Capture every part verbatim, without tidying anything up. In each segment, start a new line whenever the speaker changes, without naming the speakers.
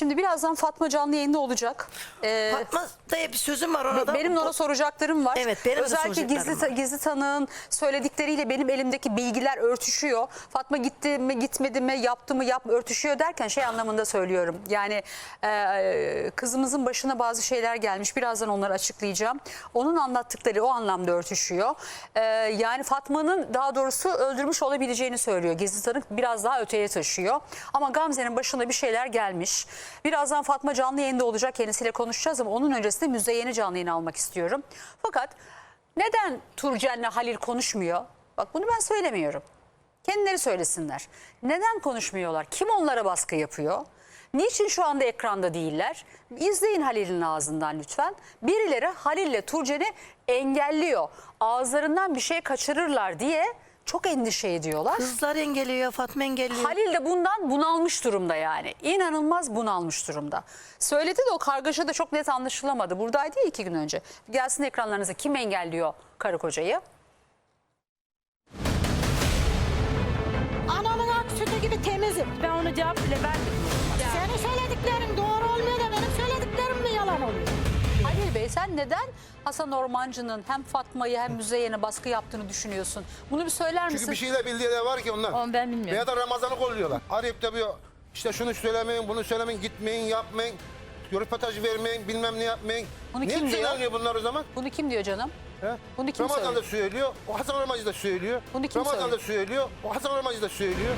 şimdi birazdan Fatma canlı yayında olacak. Ee,
Fatma diye bir sözüm var orada.
Benim ona soracaklarım var.
Evet, benim de
Özellikle
soracaklarım
gizli,
var.
gizli tanığın söyledikleriyle benim elimdeki bilgiler örtüşüyor. Fatma gitti mi gitmedi mi yaptı mı yap örtüşüyor derken şey anlamında söylüyorum. Yani e, kızımızın başına bazı şeyler gelmiş. Birazdan onları açıklayacağım. Onun anlattıkları o anlamda örtüşüyor. E, yani Fatma'nın daha doğrusu öldürmüş olabileceğini söylüyor. Gizli tanık biraz daha öteye taşıyor. Ama Gamze'nin başına bir şeyler gelmiş. Birazdan Fatma canlı yayında olacak. Kendisiyle konuşacağız ama onun öncesinde Müzeyyen'i canlı yayına almak istiyorum. Fakat neden Turcen'le Halil konuşmuyor? Bak bunu ben söylemiyorum. Kendileri söylesinler. Neden konuşmuyorlar? Kim onlara baskı yapıyor? Niçin şu anda ekranda değiller? İzleyin Halil'in ağzından lütfen. Birileri Halil'le Turcen'i engelliyor. Ağızlarından bir şey kaçırırlar diye çok endişe ediyorlar.
Kızlar engelliyor, Fatma engelliyor.
Halil de bundan bunalmış durumda yani. İnanılmaz bunalmış durumda. Söyledi de o kargaşa da çok net anlaşılamadı. Buradaydı ya iki gün önce. Gelsin ekranlarınıza, kim engelliyor karı kocayı?
Ananın ak sütü gibi temizim.
Ben ona cevap bile vermedim.
Senin söylediklerin doğru olmuyor da benim söylediklerim mi yalan oluyor?
Halil Bey, sen neden Hasan Ormancı'nın hem Fatma'yı hem Müzeyyen'e baskı yaptığını düşünüyorsun? Bunu bir söyler misin?
Çünkü bir şeyler bildiği de var ki onlar.
Onu ben bilmiyorum.
Veya da Ramazan'ı kolluyorlar. Arayıp da bir işte şunu söylemeyin, bunu söylemeyin, gitmeyin, yapmayın. Röportaj vermeyin, bilmem ne yapmayın.
Bunu
Niye
kim diyor?
söyleniyor bunlar o zaman?
Bunu kim diyor canım?
He?
Bunu kim
Ramazan
söylüyor?
da söylüyor, o Hasan Ormancı da söylüyor.
Bunu kim
Ramazan
söylüyor?
da söylüyor, o Hasan Ormancı da söylüyor.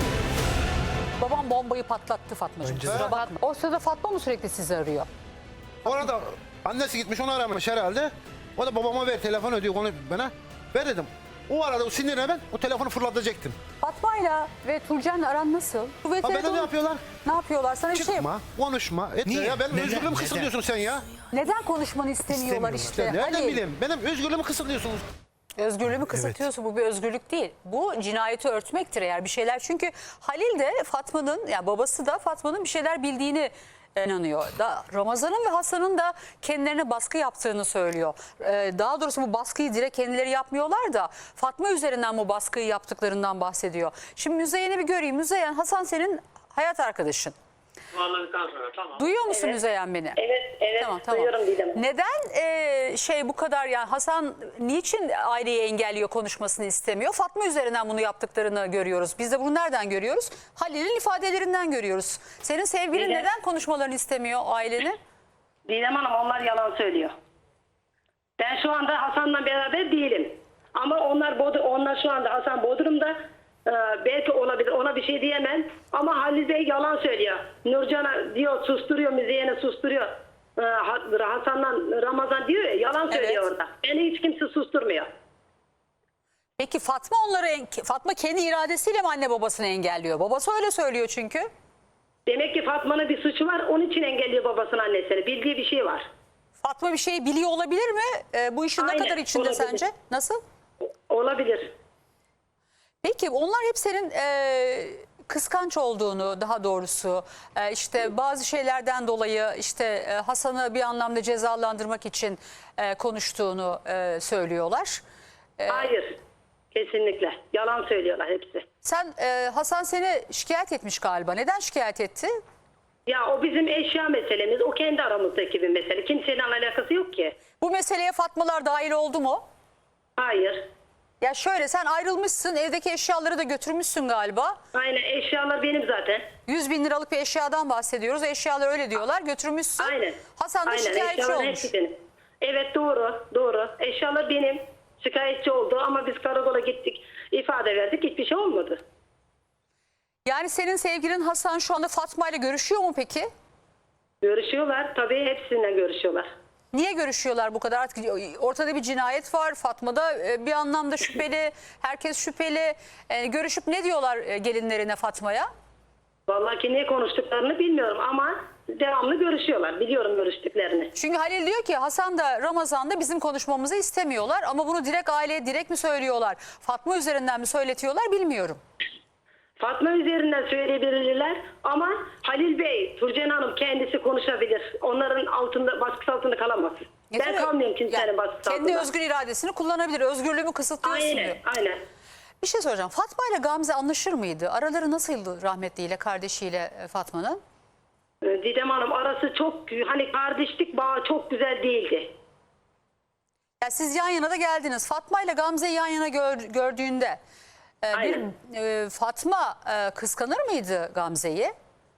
Babam bombayı patlattı Fatmacığım.
Önce-
Kusura
He?
bakma. O sırada Fatma mı sürekli sizi arıyor?
Orada annesi gitmiş, onu aramış herhalde. O da babama ver telefon ödüyor onu bana. Ver dedim. O arada o sinirine ben o telefonu fırlatacaktım.
Fatma'yla ve Turcen'le aran nasıl? Bu
Ha beni ne yapıyorlar?
Ne yapıyorlar? Sana bir şey
Çıkma, konuşma, etme
Niye?
ya. Benim
Neden?
özgürlüğümü
Neden?
kısıtlıyorsun sen ya.
Neden konuşmanı istemiyorlar
İstemiyorlar.
işte?
Nereden
Halil,
bileyim? Benim özgürlüğümü kısıtlıyorsunuz.
özgürlüğümü kısıtıyorsa bu bir özgürlük değil. Bu cinayeti örtmektir eğer bir şeyler. Çünkü Halil de Fatma'nın, yani babası da Fatma'nın bir şeyler bildiğini inanıyor. Da Ramazan'ın ve Hasan'ın da kendilerine baskı yaptığını söylüyor. Ee, daha doğrusu bu baskıyı direkt kendileri yapmıyorlar da Fatma üzerinden bu baskıyı yaptıklarından bahsediyor. Şimdi Müzeyyen'i bir göreyim. Müzeyyen, Hasan senin hayat arkadaşın.
Anladıktan sonra tamam.
Duyuyor musun
Evet.
Müzeyyen beni?
Evet, evet.
Tamam, tamam.
Duyuyorum Didem.
Neden e, şey bu kadar, yani Hasan niçin aileyi engelliyor, konuşmasını istemiyor? Fatma üzerinden bunu yaptıklarını görüyoruz. Biz de bunu nereden görüyoruz? Halil'in ifadelerinden görüyoruz. Senin sevgilin
Didem.
neden konuşmalarını istemiyor ailenin?
Didem Hanım onlar yalan söylüyor. Ben şu anda Hasan'la beraber değilim. Ama onlar Bod onlar şu anda Hasan Bodrum'da. Ee, belki olabilir, ona bir şey diyemem. Ama Halil Bey yalan söylüyor. Nurcan'a diyor susturuyor, Müzeyyen'e susturuyor. Ee, Hasan'la Ramazan diyor ya, yalan söylüyor
Evet.
orada. Beni hiç kimse susturmuyor.
Peki Fatma onları en- Fatma kendi iradesiyle mi anne babasını engelliyor? Babası öyle söylüyor çünkü.
Demek ki Fatma'nın bir suçu var, onun için engelliyor babasının annesini. Bildiği bir şey var.
Fatma bir şey biliyor olabilir mi? E, bu işin
Aynen,
ne kadar içinde
olabilir.
sence? Nasıl?
Olabilir.
Peki onlar hep senin e, kıskanç olduğunu, daha doğrusu e, işte bazı şeylerden dolayı işte e, Hasan'ı bir anlamda cezalandırmak için e, konuştuğunu e, söylüyorlar.
Hayır. Kesinlikle. Yalan söylüyorlar hepsi.
Sen e, Hasan seni şikayet etmiş galiba. Neden şikayet etti?
Ya o bizim eşya meselemiz. O kendi aramızdaki bir mesele. Kimsenin alakası yok ki.
Bu meseleye Fatmalar dahil oldu mu?
Hayır.
Ya şöyle, sen ayrılmışsın, evdeki eşyaları da götürmüşsün galiba.
Aynen, eşyalar benim zaten.
yüz bin liralık bir eşyadan bahsediyoruz. Eşyalar öyle diyorlar, götürmüşsün.
Aynen.
Hasan da
Aynen,
şikayetçi
eşyalar
olmuş.
hepsi benim. Evet, doğru. Doğru. Eşyalar benim. Şikayetçi oldu ama biz karakola gittik. İfade verdik. Hiçbir şey olmadı.
Yani senin sevgilin Hasan şu anda Fatma ile görüşüyor mu peki?
Görüşüyorlar. Tabii hepsinden görüşüyorlar.
Niye görüşüyorlar bu kadar? Artık ortada bir cinayet var. Fatma da e, bir anlamda şüpheli. Herkes şüpheli. E, görüşüp ne diyorlar e, gelinlerine, Fatma'ya?
Vallahi ki ne konuştuklarını bilmiyorum ama devamlı görüşüyorlar. Biliyorum görüştüklerini.
Çünkü Halil diyor ki Hasan da Ramazan da bizim konuşmamızı istemiyorlar. Ama bunu direkt aileye direkt mi söylüyorlar? Fatma üzerinden mi söyletiyorlar bilmiyorum.
Fatma üzerinden söyleyebilirler ama Halil Bey, Turcen Hanım kendisi konuşabilir. Onların altında, baskısı altında kalamaz.
Ya
ben
tabii,
kalmıyorum kimsenin
yani
baskısı
kendi
altında.
özgür iradesini kullanabilir. Özgürlüğümü kısıtlıyorsun diyor.
Aynen, aynen.
Bir şey soracağım. Fatma ile Gamze anlaşır mıydı? Araları nasıldı rahmetliyle, kardeşiyle e, Fatma'nın?
Ee, Didem Hanım arası çok hani kardeşlik bağı çok güzel değildi.
Ya siz yan yana da geldiniz. Fatma ile Gamze'yi yan yana gör- gördüğünde e, bir
Aynen.
e, Fatma e, kıskanır mıydı Gamze'yi?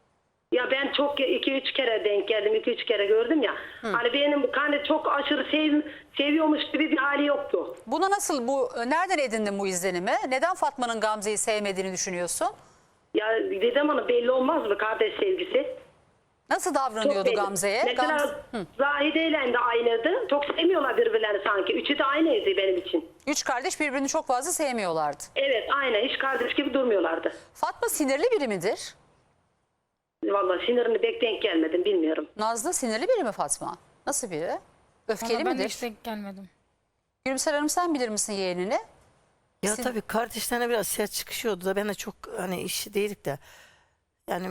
Ya ben çok iki üç kere denk geldim, iki üç kere gördüm ya. Hani benim hani çok aşırı sev, seviyormuş gibi bir hali yoktu.
Buna nasıl bu nereden edindin bu izlenimi? Neden Fatma'nın Gamze'yi sevmediğini düşünüyorsun?
Ya Didem Hanım belli olmaz mı kardeş sevgisi?
Nasıl
Çok
davranıyordu
belli.
Gamze'ye?
Mesela
Gamze-
Zahide ile de aynıydı. Çok sevmiyorlar birbirlerini sanki. Üçü de aynıydı benim için.
Üç kardeş birbirini çok fazla sevmiyorlardı.
Evet aynen hiç kardeş gibi durmuyorlardı.
Fatma sinirli biri midir?
Vallahi sinirini pek denk gelmedim bilmiyorum.
Nazlı sinirli biri mi Fatma? Nasıl biri? Öfkeli
Valla ben de
midir?
hiç denk gelmedim.
Gülümser Hanım sen bilir misin yeğenini?
Ya
Sin-
tabii kardeşlerine biraz sert çıkışıyordu da ben de çok hani işi değildik de yani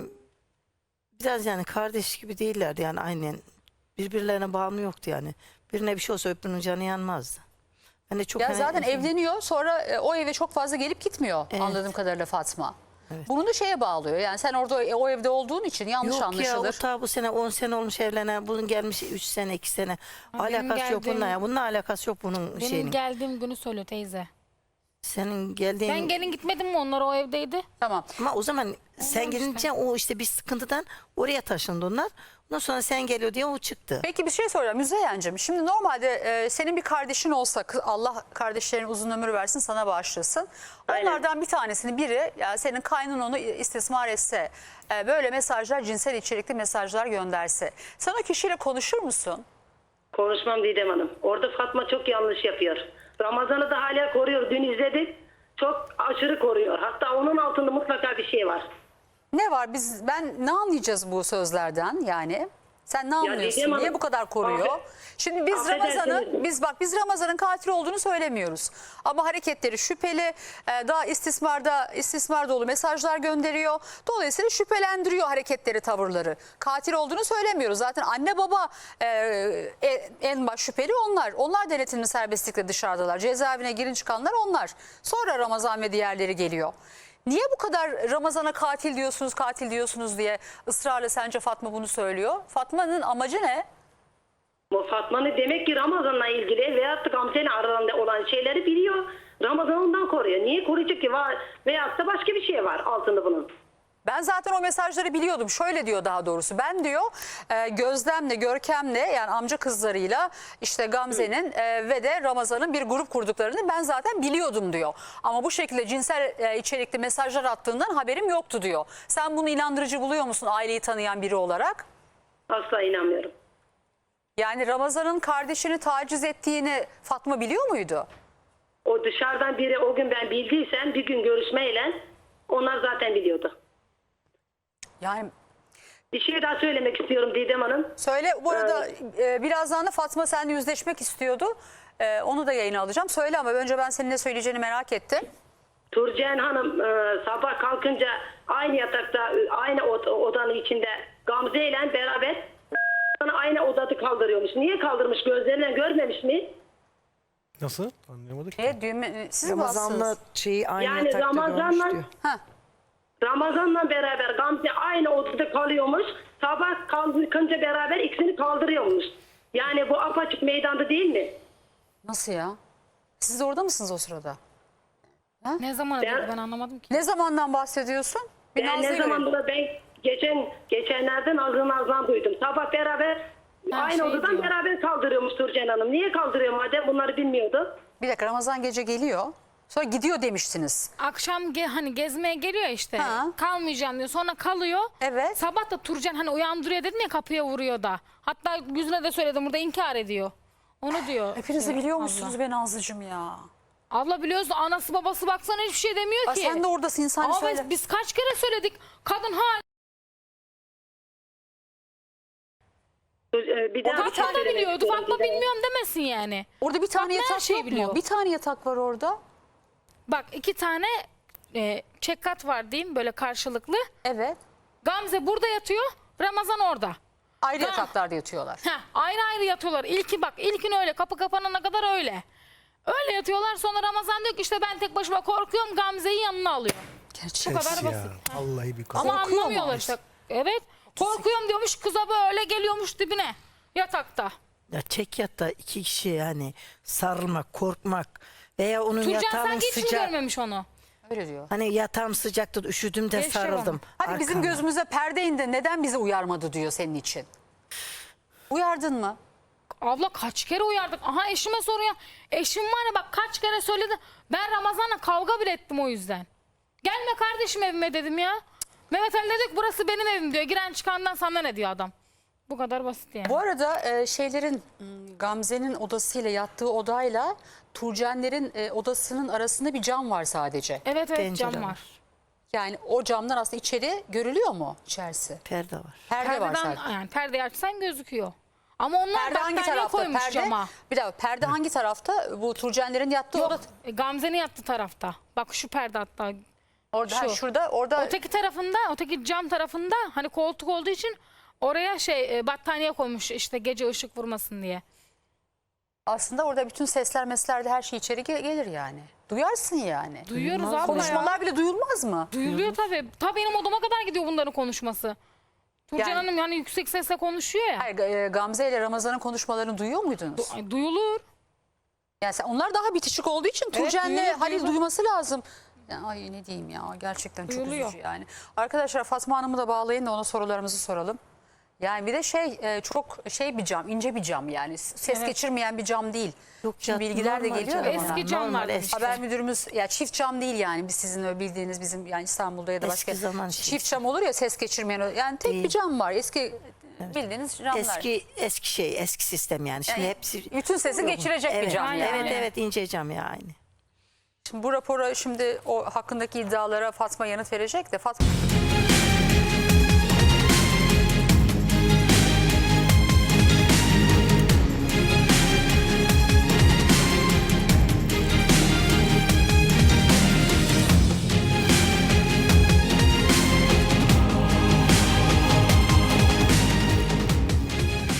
biraz yani kardeş gibi değillerdi yani aynen birbirlerine bağımlı yoktu yani. Birine bir şey olsa öbürünün canı yanmazdı. Ben de çok
Ya
hani-
zaten evleniyor sonra e, o eve çok fazla gelip gitmiyor
Evet.
anladığım kadarıyla Fatma.
Evet.
Bunu da şeye bağlıyor. Yani sen orada e, o evde olduğun için yanlış
Yok ya
anlaşılır.
o ta bu sene on sene olmuş evlenen bunun gelmiş üç sene iki sene
Ha, benim
alakası yok
geldiğim-
bununla ya bununla alakası yok bunun
Benim
şeyinin.
geldiğim günü söylüyor teyze.
Senin geldiğin
Ben gelin gitmedim mi, onlar o evdeydi.
Tamam.
ama o zaman sen gelince o işte bir sıkıntıdan oraya taşındı onlar. Ondan sonra sen geliyor diye o çıktı.
Peki bir şey soracağım Müzeyyen'cim. Şimdi normalde e, senin bir kardeşin olsa kı- Allah kardeşlerine uzun ömür versin sana bağışlasın.
Aynen.
Onlardan bir tanesini biri yani senin kaynın onu istismar etse e, böyle mesajlar cinsel içerikli mesajlar gönderse sen o kişiyle konuşur musun?
Konuşmam Didem Hanım. Orada Fatma çok yanlış yapıyor. Ramazan'ı da hala koruyor. Dün izledik. Çok aşırı koruyor. Hatta onun altında mutlaka bir şey var.
Ne var biz ben ne anlayacağız bu sözlerden yani? Sen ne anlıyorsun?
Didem Hanım,
Niye bu kadar koruyor?
affe-
Şimdi biz
affedersiniz.
Ramazan'ı biz bak biz Ramazan'ın katil olduğunu söylemiyoruz. Ama hareketleri şüpheli, e, daha istismarda istismar dolu mesajlar gönderiyor. Dolayısıyla şüphelendiriyor hareketleri, tavırları. Katil olduğunu söylemiyoruz. Zaten anne baba e, e, en baş şüpheli onlar. Onlar denetimli serbestlikle dışarıdalar. Cezaevine girin çıkanlar onlar. Sonra Ramazan ve diğerleri geliyor. Niye bu kadar Ramazan'a katil diyorsunuz, katil diyorsunuz diye ısrarla sence Fatma bunu söylüyor? Fatma'nın amacı ne?
Bu Fatma'nın demek ki Ramazan'la ilgili veyahut da Gamze'nin aralarında olan şeyleri biliyor. Ramazan ondan koruyor. Niye koruyacak ki? Var, veyahut da başka bir şey var altında bunun.
Ben zaten o mesajları biliyordum. Şöyle diyor daha doğrusu. Ben diyor e, Gözlem'le, Görkem'le yani amca kızlarıyla işte Gamze'nin e, ve de Ramazan'ın bir grup kurduklarını ben zaten biliyordum diyor. Ama bu şekilde cinsel e, içerikli mesajlar attığından haberim yoktu diyor. Sen bunu inandırıcı buluyor musun aileyi tanıyan biri olarak?
Asla inanmıyorum.
Yani Ramazan'ın kardeşini taciz ettiğini Fatma biliyor muydu?
O dışarıdan biri o gün ben bildiysem bir gün görüşmeyle onlar zaten biliyordu.
Yani
Bir şey daha söylemek istiyorum Didem Hanım.
söyle bu arada e, birazdan da Fatma seninle yüzleşmek istiyordu. E, onu da yayına alacağım. Söyle ama önce ben senin ne söyleyeceğini merak ettim.
Turcen Hanım e, sabah kalkınca aynı yatakta e, aynı od- odanın içinde Gamze ile beraber aynı odada kaldırıyormuş. Niye kaldırmış? Gözlerinden görmemiş mi?
Nasıl? Anlayamadık ki.
E, düğme, siz mi
Ramazan'la
bassınız?
şeyi aynı
Yani
yatakta
Ramazan'la
görmüş diyor.
Ha.
Ramazan'la beraber Gamze aynı odada kalıyormuş. Sabah kalkınca beraber ikisini kaldırıyormuş. Yani bu apaçık meydanda değil mi?
Nasıl ya? Siz de orada mısınız o sırada?
Ne zaman
Ben-
dedi ben anlamadım ki.
Ne zamandan bahsediyorsun? Bir
Ben
Nazlı'yı
ne
görelim.
zaman da ben geçen geçenlerden ağzından ağzından duydum. Sabah beraber
Ha,
aynı
şey
odadan
diyor.
beraber kaldırıyormuş Turcen Hanım. Niye kaldırıyor madem bunları bilmiyordu?
Bir dakika Ramazan gece geliyor. Sonra gidiyor demiştiniz.
Akşam ge- hani gezmeye geliyor işte.
Ha.
Kalmayacağım diyor. Sonra kalıyor.
Evet.
Sabah da Turcan hani uyandırıyor dedim ya, kapıya vuruyor da. Hatta yüzüne de söyledim, burada inkar ediyor. Onu diyor.
Hepiniz de
şey,
biliyor
abla.
musunuz be Nazlıcığım ya?
Abla biliyoruz da anası babası baksana hiçbir şey demiyor
Aa,
ki.
sen de oradasın insan
Ama
söyle.
biz, biz kaç kere söyledik. Kadın ha
Ee, Bir daha bir şey
Fatma da
söylemek
biliyordu.
istiyorum
Fatma
Didem Hanım.
bilmiyorum demesin yani.
Orada bir tane
Fatma her
yatak
şeyi
yok mu?
biliyor.
Bir tane yatak var orada.
Bak iki tane e, çekkat var diyeyim böyle karşılıklı.
Evet.
Gamze burada yatıyor. Ramazan orada.
Ayrı
Ha.
yataklarda yatıyorlar.
Heh, ayrı ayrı yatıyorlar. İlki bak ilkin öyle, kapı kapanana kadar öyle. Öyle yatıyorlar, sonra Ramazan diyor ki işte ben tek başıma korkuyorum, Gamze'yi yanına alıyor.
Gerçek.
Bu kadar
Ses
basit.
ya. Vallahi bir
Ama
Korkuyor mu?
anlamıyorlar işte. Evet. Korkuyorum diyormuş, kıza böyle geliyormuş dibine yatakta.
Ya çek yatta iki kişi yani sarılmak, korkmak veya onun
Turcan
yatağının
sanki hiç mi
sıcak.
görmemiş onu?
Öyle diyor.
Hani yatağım sıcaktı, üşüdüm de
Geçti
sarıldım.
Hani bizim
arkama.
gözümüze perde indi, neden bizi uyarmadı diyor senin için. Uyardın mı?
Abla kaç kere uyardık. Aha eşime soruyor. Eşim var ya bak kaç kere söyledi. Ben Ramazan'la kavga bile ettim o yüzden. Gelme kardeşim evime dedim ya. Mehmet Ali dedi ki burası benim evim diyor. Giren çıkandan sana ne diyor adam. Bu kadar basit yani.
Bu arada e, şeylerin m, Gamze'nin odasıyla yattığı odayla Turcenlerin e, odasının arasında bir cam var sadece.
Evet evet
Pencere
cam
var.
var.
Yani o camdan aslında içeri görülüyor mu içerisi?
Perde var.
Perde var
Perdeden,
sadece.
yani perdeyi açsan gözüküyor. Ama onlar
Perde hangi
battaniye
tarafta?
koymuş
Perde,
cama.
bir dakika perde hangi tarafta? Bu Turcenlerin yattığı oda.
Yok e, Gamze'nin yattığı tarafta. Bak şu perde hatta.
Orada, ha,
şu.
şurada, orada.
Öteki tarafında, öteki cam tarafında hani koltuk olduğu için oraya şey e, battaniye koymuş işte gece ışık vurmasın diye.
Aslında orada bütün sesler mesler de her şey içeri ge- gelir yani. Duyarsın yani.
Duyuyoruz abla ya.
Konuşmalar bile duyulmaz mı?
Duyuluyor tabii. Ta benim odama kadar gidiyor bunların konuşması. Turcan
Yani-
Hanım yani yüksek sesle konuşuyor ya.
Hayır, e, Gamze ile Ramazan'ın konuşmalarını duyuyor muydunuz?
Ay, duyulur.
Yani sen, onlar daha bitişik olduğu için Turcen'le
duyulur,
Halil
duyulur.
duyması lazım. Ya, ay ne diyeyim ya, gerçekten çok
Duyuluyor.
üzücü yani. Arkadaşlar Fatma Hanım'ı da bağlayın da ona sorularımızı soralım. Yani bir de şey e, çok şey bir cam, ince bir cam yani ses
Evet.
geçirmeyen bir cam değil.
Yok
Şimdi
ya,
bilgiler de
normal
geliyor
cam.
da bana.
Eski camlar
Normal,
demiş.
eski.
Haber müdürümüz ya çift cam değil yani biz sizin öyle bildiğiniz bizim yani İstanbul'da ya da
Eski
başka
zaman
çift
şeysi.
cam olur ya ses geçirmeyen yani tek bir
Değil.
cam var eski bildiğiniz camlar.
Eski eski şey, eski sistem yani. Şimdi
Yani
hepsi
bütün sesi geçirecek
evet,
bir cam yani.
Evet evet ince cam ya aynı.
Şimdi bu rapora şimdi o hakkındaki iddialara Fatma yanıt verecek de Fatma